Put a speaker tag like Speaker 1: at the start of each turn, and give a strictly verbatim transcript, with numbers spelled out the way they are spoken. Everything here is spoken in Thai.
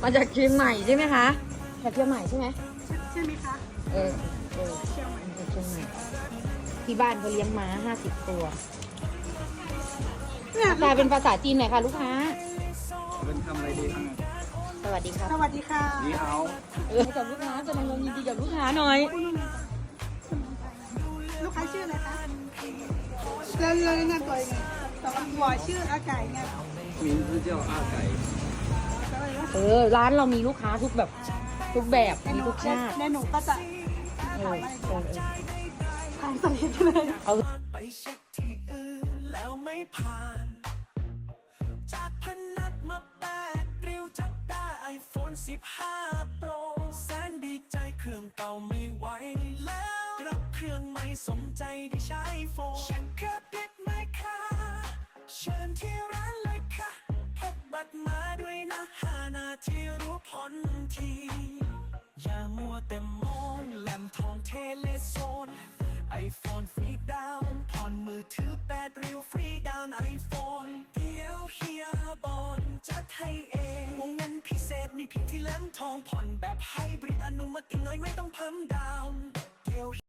Speaker 1: มาจากเชียงใหม่ใช่ไหมคะจากเชียงใหม่ใช่ไหม
Speaker 2: ใช่ไหมคะ
Speaker 1: เออเออ
Speaker 2: เชียงใหม่
Speaker 1: จากเชียงใหม่ที่บ้านเขาเลี้ยงม้าห้าสิบตัว
Speaker 2: เนี่ย
Speaker 1: กลายเป็นภาษาจีนหน่อยค่ะลูกค้า
Speaker 3: เป็นทำอะไรดีครับ
Speaker 1: สวัสดีครับ
Speaker 2: สวัสดีค่ะ
Speaker 3: นี่เอา
Speaker 1: เออกับลูกค้าแสดงความยินดีกับลูกค้าหน่อย
Speaker 2: ลูกค้าชื่ออะไรคะแล้วเราแนะนำตัวยังไงแต่ว่าหัวชื่ออาไก่ไง
Speaker 3: 名字叫阿ไก่
Speaker 1: เออร้านเรามีลูกค้าทุกแบบทุกแบบมีทุกชาติ
Speaker 2: ในหนูก็จะ
Speaker 1: เออเออเออ
Speaker 2: ทางสลิปเลย
Speaker 1: เอา
Speaker 4: ไปเช็คที่อื่นแล้วไม่ผ่าน จากพนักมาแปดริ้วจับได้ไอโฟนสิบห้า Pro แสนดีใจเครื่องเก่าไม่ไหวแล้วรับเครื่องใหม่สมใจที่ใช้โฟนฉันแค่ปิดไม่ค่ะเชิญที่ร้านเลยค่ะพกบัตรมาด้วยนะห้านาทีรู้ผลที อย่ามัวแต่มองแหลมทองเทเลโซนไอโฟนฟรีดาวน์ผ่อนมือถือแปดริ้วฟรีดาวน์ไอโฟนเดี๋ยวเฮียบอลจัดให้เองวงเงินพิเศษมีเพียงที่แหลมทองผ่อนแบบไฮบริดอนุมัติน้อยไม่ต้องเพิ่มดาวน์เดี๋ยว